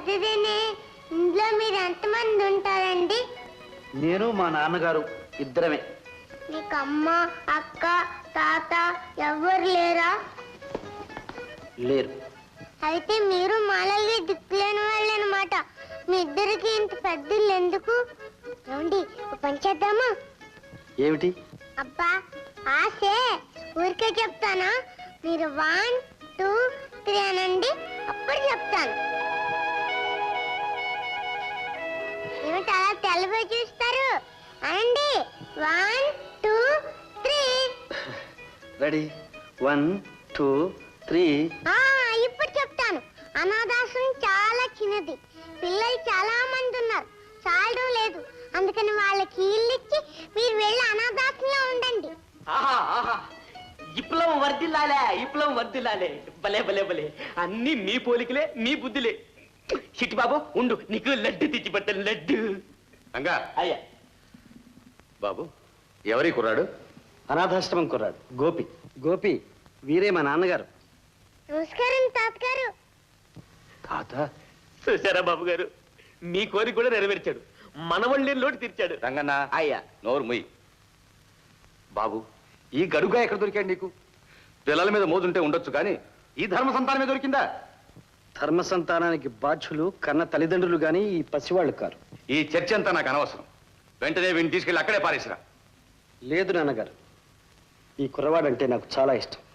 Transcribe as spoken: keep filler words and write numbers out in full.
పెద్దదేనే. ఇంట్లో మీరు ఎంతమంది ఉంటారండి? నేను మా నాన్నగారు ఇద్దరమే. మీకు అమ్మ, అక్క, తాత ఎవరు లేరా? లేరు. అయితే మీరు మాలల్ని దిక్కులేని వాళ్ళు అనమాట. మీ ఇద్దరికి ఇంత పెద్దలు ఎందుకు? ఏమండి పని చేద్దామా? ఏమిటి? అబ్బా ఆశే, ఊరికే చెప్తానా? మీరు వన్ టూ త్రీ అనండి, అప్పుడు చెప్తాను. ఏమిటి అలా తెల్లబోయి చూస్తారు? అనండి. One two three. Ready. One two three. ఇప్పుడు చెప్తాను. అనాథాశ్రమం చాలా చిన్నది. పిల్లలు చాలా మంది ఉన్నారు, చాలడం లేదు. అందుకని వాళ్ళకి ఇల్లు ఇచ్చి మీరు వెళ్ళి అనాథాశ్రమంలో ఉండండి. విప్లవం వర్దిల్లాలే, విప్లవం వర్దిల్లాలే. భలే భలే భలే, అన్ని మీ పోలికలే, మీ బుద్ధులే. చిట్టి బాబు ఉండు, నీకు లడ్డు తెచ్చి పెట్టాను. లడ్డు. రంగా. అయ్యా. బాబు ఎవరి కుర్రాడు? అనాథాశ్రమం కుర్రాడు గోపి. గోపి వీరే మా నాన్నగారు. నమస్కారం తాతగారు. తాత. చూసారా బాబు గారు, మీ కోరిక కూడా నెరవేర్చాడు. మనవళ్ళని లోటు తీర్చాడు. రంగన్న. అయ్యా. నోరు ముయ్. బాబు ఈ గడుగా ఎక్కడ దొరికాడు నీకు? పిల్లల మీద మోదుంటే ఉండొచ్చు కానీ ఈ ధర్మ సంతానమే దొరికిందా? ధర్మ సంతానానికి బాధ్యులు కన్న తల్లిదండ్రులు గాని ఈ పసివాళ్ళు కారు. ఈ చర్చ అంతా నాకు అనవసరం. వెంటనే వీడిని తీసుకెళ్ళి అక్కడే పారేసిరా. లేదు నాన్నగారు, ఈ కుర్రవాడంటే నాకు చాలా ఇష్టం.